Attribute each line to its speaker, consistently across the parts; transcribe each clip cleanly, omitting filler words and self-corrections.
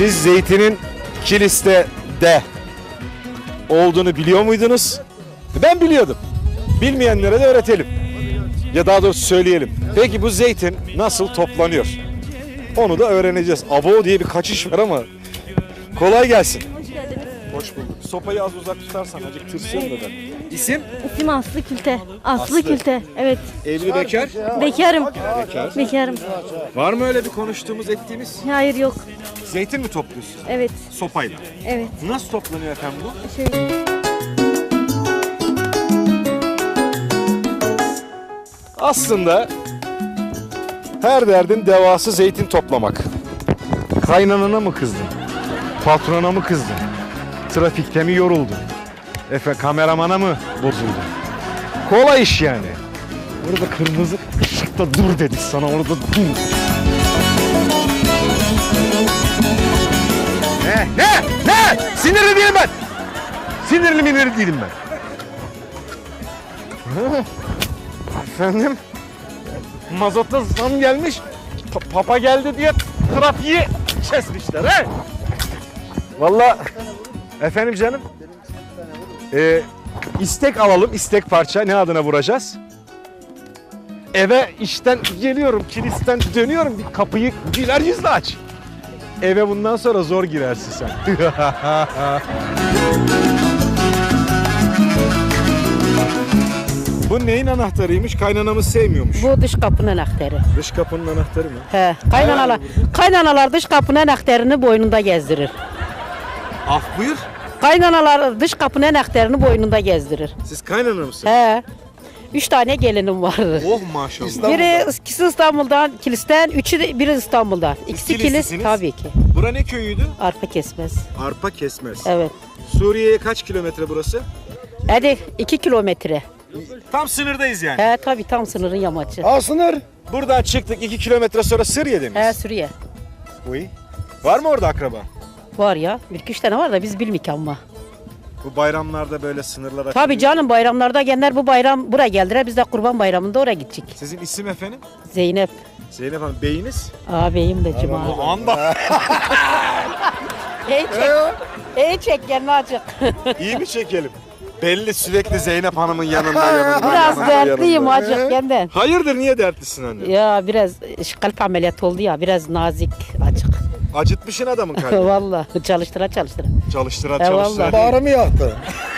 Speaker 1: Siz zeytinin Kilis'te de olduğunu biliyor muydunuz? Ben biliyordum. Bilmeyenlere de öğretelim. Ya daha doğrusu söyleyelim. Peki bu zeytin nasıl toplanıyor? Onu da öğreneceğiz. Abo diye bir kaçış var ama kolay gelsin.
Speaker 2: Hoş geldiniz.
Speaker 1: Hoş bulduk. Sopayı az uzak tutarsan acık tırsıyorum da ben. İsim?
Speaker 2: İsim Aslı Külte. Aslı
Speaker 1: Aslı.
Speaker 2: Külte. Evet.
Speaker 1: Evli bekar.
Speaker 2: Bekarım.
Speaker 1: Bekar.
Speaker 2: Bekarım.
Speaker 1: Var mı öyle bir konuştuğumuz ettiğimiz?
Speaker 2: Hayır yok.
Speaker 1: Zeytin mi topluyorsun?
Speaker 2: Evet.
Speaker 1: Sopayla.
Speaker 2: Evet.
Speaker 1: Nasıl toplanıyor efendim bu?
Speaker 2: Şöyle.
Speaker 1: Aslında her derdin devası zeytin toplamak. Kaynanana mı kızdın? Patrona mı kızdın? Trafikte mi yoruldun? Kameramana mı bozuldun? Kolay iş yani. Orada kırmızı ışıkta dur dedi sana, orada dur. Ne? Sinirli değilim ben. Sinirli değilim ben. Efendim? Mazota zam gelmiş. Papa geldi diye trafiği kesmişler he. Vallahi efendim canım. İstek alalım, istek parça. Ne adına vuracağız? Eve işten geliyorum, kilisten dönüyorum. Bir kapıyı güler yüzle aç. Eve bundan sonra zor girersin sen. Bu neyin anahtarıymış? Kaynanamız sevmiyormuş.
Speaker 3: Bu dış kapının anahtarı.
Speaker 1: Dış kapının anahtarı mı?
Speaker 3: He, kaynanalar dış kapının anahtarını boynunda gezdirir.
Speaker 1: Af buyur.
Speaker 3: Kaynanalar dış kapının anahtarını boynunda gezdirir.
Speaker 1: Siz kaynana mısınız?
Speaker 3: He. 3 tane gelinim vardı.
Speaker 1: Oh maşallah.
Speaker 3: İkisi İstanbul'dan, Kilis'ten, biri İstanbul'dan. İkisi Kilis
Speaker 1: Kilislisiniz.
Speaker 3: tabii ki.
Speaker 1: Bura ne köyüydü?
Speaker 3: Arpa kesmez.
Speaker 1: Arpa Kesmez.
Speaker 3: Evet.
Speaker 1: Suriye'ye kaç kilometre burası?
Speaker 3: Hadi 2 kilometre.
Speaker 1: Tam sınırdayız yani.
Speaker 3: He tabii tam sınırın yamacı.
Speaker 1: Sınır. Buradan çıktık 2 kilometre sonra Suriye'de miyiz?
Speaker 3: He Suriye.
Speaker 1: Uy. Var mı orada akraba?
Speaker 3: Var ya. 1-2-3 tane var da biz bilmik ama.
Speaker 1: Bu bayramlarda böyle sınırlar açılıyor.
Speaker 3: Tabii canım bayramlarda gelenler bu bayram buraya geldiler. Biz de kurban bayramında oraya gidecek.
Speaker 1: Sizin isim efendim?
Speaker 3: Zeynep.
Speaker 1: Zeynep Hanım, beyiniz?
Speaker 3: Ağabeyim de Cuma.
Speaker 1: O anda.
Speaker 3: İyi çek gelme acık.
Speaker 1: İyi mi çekelim? Belli sürekli Zeynep Hanım'ın yanında.
Speaker 3: Biraz
Speaker 1: yanında,
Speaker 3: dertliyim
Speaker 1: yanında.
Speaker 3: acık benden.
Speaker 1: Hayırdır, niye dertlisin anne?
Speaker 3: Ya biraz kalp ameliyatı oldu ya biraz nazik acık.
Speaker 1: Acıtmışsın adamın kalbini.
Speaker 3: Vallahi çalıştıra.
Speaker 1: Çalıştıra
Speaker 3: He,
Speaker 1: çalıştıra.
Speaker 3: vallahi.
Speaker 4: Bağrımı yaktı.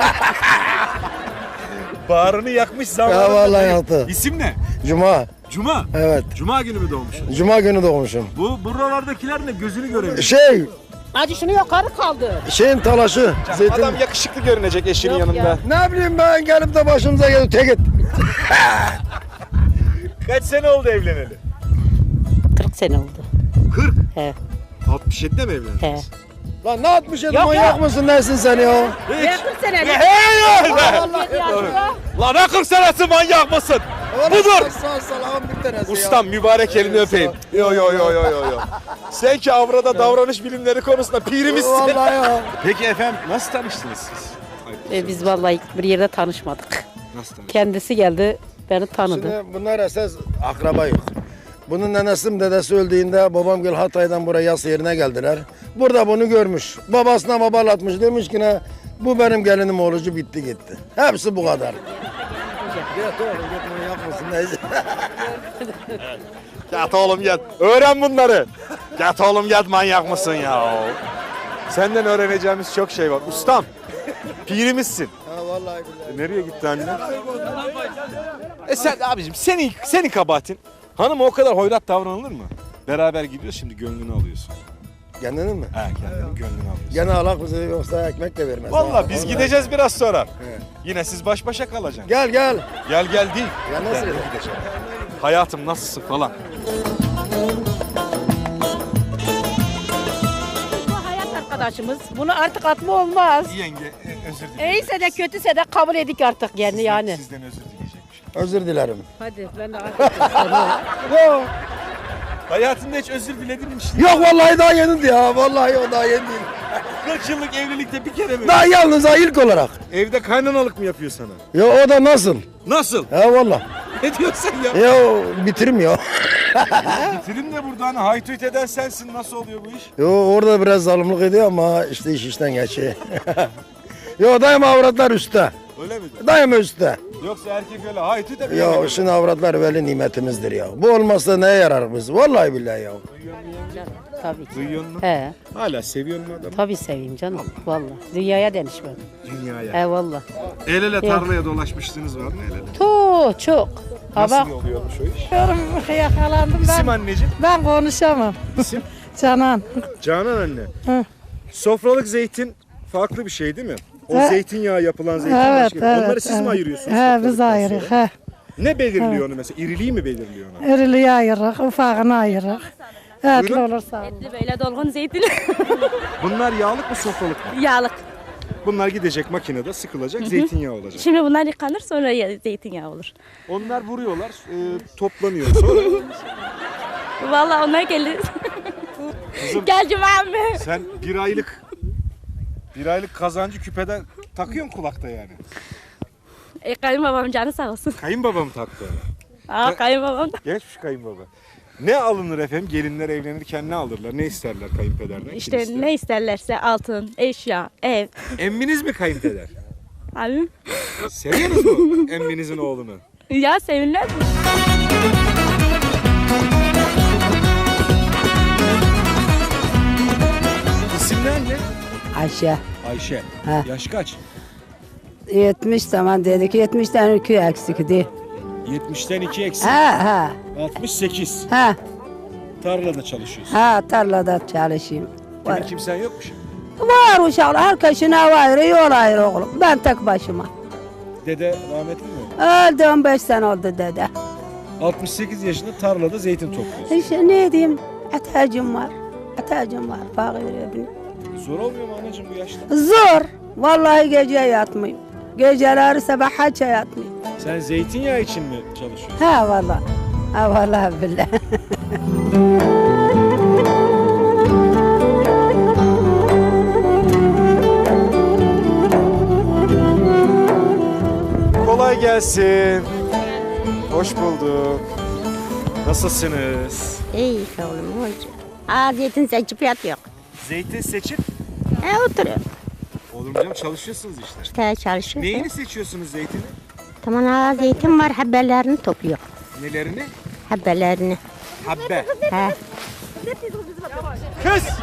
Speaker 1: Bağrını yakmış zamanında.
Speaker 4: Ya vallahi yaktı.
Speaker 1: İsim ne?
Speaker 4: Cuma.
Speaker 1: Cuma.
Speaker 4: Evet.
Speaker 1: Cuma günü mü doğmuşsun?
Speaker 4: Cuma günü doğmuşum.
Speaker 1: Bu buralardakiler ne? Gözünü göremiyor.
Speaker 3: Acı şunu yukarı kaldı.
Speaker 4: Şeyin talaşı. Zeytin.
Speaker 1: Adam yakışıklı görünecek eşinin
Speaker 3: Yok
Speaker 1: yanında.
Speaker 3: ya.
Speaker 4: Ne bileyim ben gelip de başımıza geldi. Tek et.
Speaker 1: Kaç sene oldu evleneli?
Speaker 3: 40 sene oldu.
Speaker 1: 40.
Speaker 3: He.
Speaker 1: 67'de mi evlendiniz?
Speaker 3: He.
Speaker 4: Lan ne yapmış
Speaker 3: Yok,
Speaker 4: manyak
Speaker 3: yok.
Speaker 4: mısın nesin sen ya?
Speaker 3: Ben 40 sene.
Speaker 1: Hey!
Speaker 3: Vallahi.
Speaker 1: Lan ne 40 senesi, manyak mısın? Budur.
Speaker 4: Sağ salam bir tanesi
Speaker 1: Ustam mübarek elini öpeyim. Yo. Sen ki avrada davranış bilimleri konusunda pirimizsin.
Speaker 4: Vallahi ya.
Speaker 1: Peki efendim nasıl tanıştınız siz?
Speaker 3: Biz vallahi bir yerde tanışmadık.
Speaker 1: Nasıl tanıştınız?
Speaker 3: Kendisi geldi beni tanıdı.
Speaker 4: Şimdi bunlar esas akrabayız. Bunun nenesim dedesi öldüğünde babam gel Hatay'dan buraya yas yerine geldiler. Burada bunu görmüş. Babasına babalatmış demiş ki ne bu benim gelinim olucu bitti gitti. Hepsi bu kadar. Git oğlum git manyak mısın neyse.
Speaker 1: Git oğlum git. Öğren bunları. Git oğlum git, manyak mısın ya? Senden öğreneceğimiz çok şey var. Ustam, pirimizsin.
Speaker 4: Ha vallahi billahi.
Speaker 1: Nereye gitti anne? Sen abicim, senin kabahatin. Hanım o kadar hoyrat davranılır mı? Beraber gidiyoruz, şimdi gönlünü alıyorsun.
Speaker 4: Kendini mi?
Speaker 1: He, kendinin gönlünü alıyorsun.
Speaker 4: Gene alak bize yoksa ekmek de vermez.
Speaker 1: Vallahi biz gideceğiz biraz sonra.
Speaker 4: Evet.
Speaker 1: Yine siz baş başa kalacaksınız.
Speaker 4: Gel.
Speaker 1: Gel değil.
Speaker 4: Ya nasıl
Speaker 1: Gel,
Speaker 4: ya?
Speaker 1: gideceğim. Hayatım nasılsın falan.
Speaker 3: Bu hayat arkadaşımız. Bunu artık atma olmaz.
Speaker 1: Yenge özür dilerim.
Speaker 3: İyiyse de kötüse de kabul edik artık yani.
Speaker 1: Sizden özür dileyecekmiş.
Speaker 4: Özür dilerim.
Speaker 3: Hadi ben de artık.
Speaker 4: Yok.
Speaker 1: Hayatında hiç özür diledin mi?
Speaker 4: Yok vallahi daha yeni ya. Vallahi o daha yeni değil.
Speaker 1: 40 yıllık evlilikte bir kere mi?
Speaker 4: Daha yalnız ha ilk olarak.
Speaker 1: Evde kaynanalık mı yapıyor sana?
Speaker 4: Ya o da nasıl?
Speaker 1: Nasıl?
Speaker 4: He vallahi.
Speaker 1: Ne diyorsun ya?
Speaker 4: Ya bitirmiyor.
Speaker 1: Bitirim de burada hani haytuyt eden sensin. Nasıl oluyor bu iş?
Speaker 4: Yo orada biraz zalimlik ediyor ama işte iş işten geçiyor. Yo daima avratlar üstte.
Speaker 1: Öyle mi?
Speaker 4: Daima üstte.
Speaker 1: Yoksa erkek öyle haytuyt de
Speaker 4: Ya şimdi avratlar veli nimetimizdir ya. Bu olmazsa neye yarar biz? Vallahi billahi ya.
Speaker 3: Tabii ki.
Speaker 1: Duyuyor musun?
Speaker 3: He,
Speaker 1: Hala seviyor mu adamı?
Speaker 3: tabii seveyim canım. Vallahi. Dünyaya denişmem.
Speaker 1: Dünyaya.
Speaker 3: He vallahi.
Speaker 1: El ele tarlaya dolaşmışsınız var mı el ele?
Speaker 3: Çok. Ha bak.
Speaker 1: Nasıl oluyormuş o iş?
Speaker 5: Yakalandım
Speaker 1: İsim anneciğim.
Speaker 5: Ben konuşamam.
Speaker 1: İsim?
Speaker 5: Canan.
Speaker 1: Canan anne.
Speaker 5: Hı.
Speaker 1: Sofralık zeytin farklı bir şey değil mi? O
Speaker 5: Evet.
Speaker 1: zeytinyağı yapılan zeytin
Speaker 5: Evet,
Speaker 1: başka.
Speaker 5: evet.
Speaker 1: Onları siz mi
Speaker 5: evet.
Speaker 1: ayırıyorsunuz?
Speaker 5: He biz
Speaker 1: sofralıktan
Speaker 5: ayırırız.
Speaker 1: sonra?
Speaker 5: He.
Speaker 1: Ne belirliyor onu mesela? İriliği mi belirliyor onu?
Speaker 5: İriliği ayırırız, ufağını ayırırız. Etli
Speaker 1: Buyurun.
Speaker 5: olursa.
Speaker 2: Etli böyle dolgun zeytin.
Speaker 1: Bunlar yağlık mı sofralık mı?
Speaker 2: Yağlık.
Speaker 1: Bunlar gidecek makinede sıkılacak zeytinyağı olacak.
Speaker 2: Şimdi bunlar yıkanır sonra zeytinyağı olur.
Speaker 1: Onlar vuruyorlar, toplanıyor. Sonra
Speaker 2: Vallahi onlar gelir.
Speaker 1: Kızım.
Speaker 2: Gel Cuma'm.
Speaker 1: sen bir aylık kazancı küpeden takıyorsun kulakta yani.
Speaker 2: Kayınbabam canı sağ olsun.
Speaker 1: Kayınbaba mı taktı onu?
Speaker 2: Kayınbabam da.
Speaker 1: Geçmiş kayınbaba. Ne alınır efendim? Gelinler evlenirken ne alırlar? Ne isterler kayınpederden?
Speaker 2: İşte
Speaker 1: kiliste?
Speaker 2: ne isterlerse altın, eşya, ev.
Speaker 1: Emminiz mi kayınpeder?
Speaker 2: Abi.
Speaker 1: Seviyorsunuz mu emminizin oğlunu?
Speaker 2: Ya sevinmez mi?
Speaker 1: İsimler ne?
Speaker 6: Ayşe.
Speaker 1: Ayşe.
Speaker 6: Ha.
Speaker 1: Yaş kaç?
Speaker 6: 70 zaman dedik. 70'ten 2 eksikti.
Speaker 1: 70'ten 2 eksik.
Speaker 6: Ha
Speaker 1: 68.
Speaker 6: ha
Speaker 1: Tarlada çalışıyorsun.
Speaker 6: ha tarlada çalışayım.
Speaker 1: Kimin
Speaker 6: Var,
Speaker 1: kimsen yok mu şimdi?
Speaker 6: var uşaklar. Herkesin ev ayrı, yol ayrı oğlum. Ben tek başıma.
Speaker 1: Dede rahmetli mi?
Speaker 6: Öldü 15 sene oldu dede.
Speaker 1: 68 yaşında tarlada zeytin topluyorsun.
Speaker 6: İşte ne diyeyim? Atacım var. Atacım var. Fakir.
Speaker 1: Zor olmuyor mu anacığım bu yaşta?
Speaker 6: Zor. Vallahi gece yatmayayım. Geceleri sabah haça yatmayayım.
Speaker 1: Sen zeytinyağı için mi çalışıyorsun?
Speaker 6: Ha vallahi. Ha vallahi billahi.
Speaker 1: Kolay gelsin. Hoş bulduk. Nasılsınız?
Speaker 7: İyi oğlum hoş. Zeytin seçip yatıyor.
Speaker 1: Zeytin seçip
Speaker 7: Oturuyor.
Speaker 1: olur canım çalışıyorsunuz işte.
Speaker 7: İşte çalışıyor.
Speaker 1: Neyini seçiyorsunuz zeytini?
Speaker 7: Tamam zeytin var habbelerini topluyor.
Speaker 1: Nelerini?
Speaker 7: Habbelerini.
Speaker 1: Habbe.
Speaker 7: He.
Speaker 1: Kız!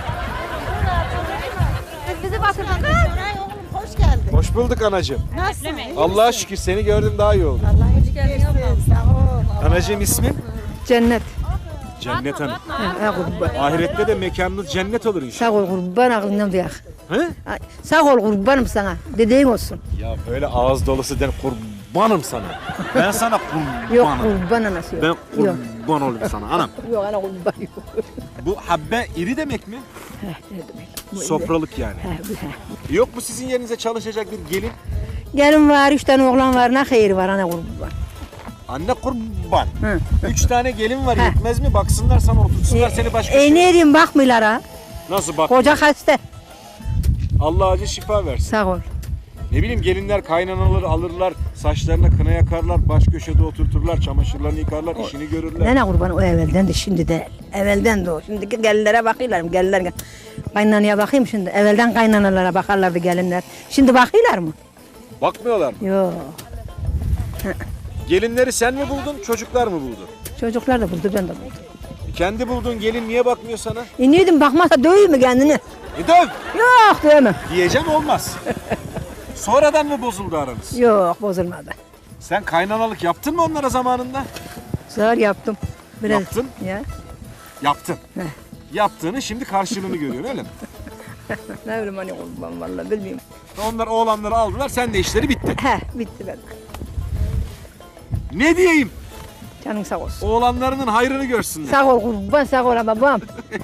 Speaker 7: Bizi batırdın. Hoş geldin.
Speaker 1: Hoş bulduk anacığım.
Speaker 7: Nasılsın?
Speaker 1: Allah'a şükür seni gördüm daha iyi oldu.
Speaker 7: Allah hoş geldin. Sağ ol.
Speaker 1: Anacığım ismin?
Speaker 3: Cennet.
Speaker 1: Cennet Hanım.
Speaker 3: Ha kurban.
Speaker 1: Ahirette de mekanınız cennet olur inşallah.
Speaker 3: Sağ ol kurban aklından duyak.
Speaker 1: He?
Speaker 3: Sağ ol kurbanım sana. Dediğin olsun.
Speaker 1: Ya böyle ağız dolusu den kurbanım sana. Ben sana kurbanım.
Speaker 3: Yok kurban anası yok.
Speaker 1: Ben
Speaker 3: Yok.
Speaker 1: kurban olayım sana anam.
Speaker 3: Yok ana kurban yok.
Speaker 1: Bu habbe iri demek mi?
Speaker 3: Ne demek?
Speaker 1: Sofralık yani. Yok mu sizin yerinize çalışacak bir gelin?
Speaker 3: Gelin var, 3 tane oğlan var, ne hayır var ana kurban.
Speaker 1: Anne kurban.
Speaker 3: Hı.
Speaker 1: 3 tane gelin var yetmez mi? Baksınlar sana otursunlar seni başka şey.
Speaker 3: Ne diyeyim bakmıyorlar ha.
Speaker 1: Nasıl bak?
Speaker 3: Koca hasta.
Speaker 1: Allah acı şifa versin.
Speaker 3: Sağ ol.
Speaker 1: Ne bileyim gelinler kaynanaları alırlar, saçlarına kına yakarlar, baş köşede oturturlar, çamaşırlarını yıkarlar, işini görürler.
Speaker 3: Ne kurban o evvelden de şimdi de. Evvelden de o. Şimdiki gelinlere bakıyorlar. Gelinler. Kaynanaya bakayım şimdi. Evvelden kaynanalara bakarlardı gelinler. Şimdi bakıyorlar mı?
Speaker 1: Bakmıyorlar mı?
Speaker 3: Yok.
Speaker 1: Gelinleri sen mi buldun, çocuklar mı buldu?
Speaker 3: Çocuklar da buldu, ben de buldum.
Speaker 1: Kendi bulduğun gelin niye bakmıyor sana?
Speaker 3: Neydim bakmazsa döveyim mi kendini?
Speaker 1: Döv!
Speaker 3: Yok dövmem.
Speaker 1: Diyeceğim olmaz. Sonradan mı bozuldu aranız?
Speaker 3: Yok bozulmadı.
Speaker 1: Sen kaynanalık yaptın mı onlara zamanında?
Speaker 3: Zor yaptım. Biraz.
Speaker 1: Yaptın?
Speaker 3: Ya.
Speaker 1: Yaptın. Yaptığını şimdi karşılığını görüyorsun öyle mi?
Speaker 3: Ne bileyim hani kurban vallahi bilmiyorum.
Speaker 1: Onlar oğlanları aldılar, sen de işleri bitti.
Speaker 3: He bitti ben.
Speaker 1: Ne diyeyim?
Speaker 3: Canın sağ olsun.
Speaker 1: Oğlanlarının hayrını görsünler.
Speaker 3: Sağ ol kurban sağ ol babam.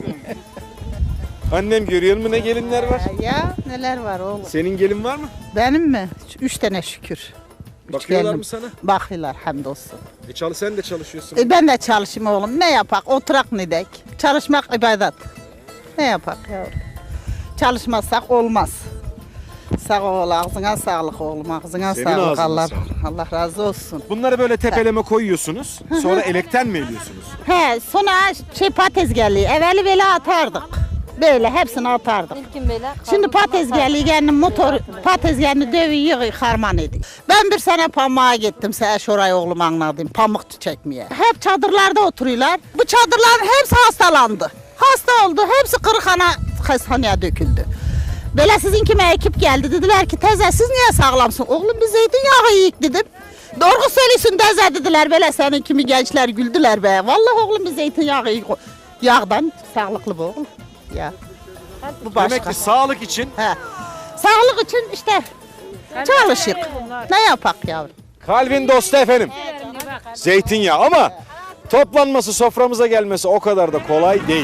Speaker 1: Annem görüyor mu ne gelinler var?
Speaker 8: Ya neler var oğlum.
Speaker 1: Senin gelin var mı?
Speaker 8: Benim mi? 3 tane şükür.
Speaker 1: Bakıyorlar
Speaker 8: gelinim.
Speaker 1: mı sana?
Speaker 8: Bakıyorlar hamdolsun.
Speaker 1: Sen de çalışıyorsun.
Speaker 8: Ben de çalışayım oğlum. Ne yapak? Oturak ne dek? Çalışmak ibadet. Ne yapak yavrum? Çalışmazsak olmaz. Sağ ol, ağzına sağlık oğlum, ağzına
Speaker 1: Senin
Speaker 8: sağlık.
Speaker 1: ağzına
Speaker 8: Allah,
Speaker 1: sağlık.
Speaker 8: Allah razı olsun.
Speaker 1: Bunları böyle tepeleme koyuyorsunuz. Sonra elekten mi ediyorsunuz?
Speaker 8: He, sonra patates geldi. Evveli böyle atardık. Böyle hepsini atardık. Şimdi patates geldi, kendi motor, patates geldi dövüyor, harman ediyor. Ben bir sene pamuğa gittim, şurayı oğlum anladım, pamuk çekmeye. Hep çadırlarda oturuyorlar. Bu çadırların hepsi hastalandı. Hasta oldu, hepsi hastaneye döküldü. Böyle sizin kime ekip geldi, dediler ki teyze siz niye sağlamsın? Oğlum biz zeytinyağı yiyik dedim. Doğru söylüyorsun teyze dediler, böyle senin kimi gençler güldüler be. Vallahi oğlum biz zeytinyağı yiyik. Yağdan sağlıklı bu oğlum. Ya. Bu başka.
Speaker 1: Demek ki sağlık için
Speaker 8: He. Sağlık için işte çalışık. Ne yapak yavrum?
Speaker 1: kalbin dostu efendim. Zeytinyağı ama toplanması, soframıza gelmesi o kadar da kolay değil.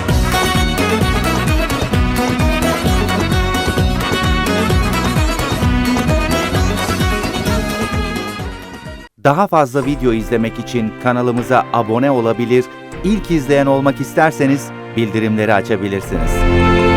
Speaker 9: Daha fazla video izlemek için kanalımıza abone olabilir, ilk izleyen olmak isterseniz bildirimleri açabilirsiniz.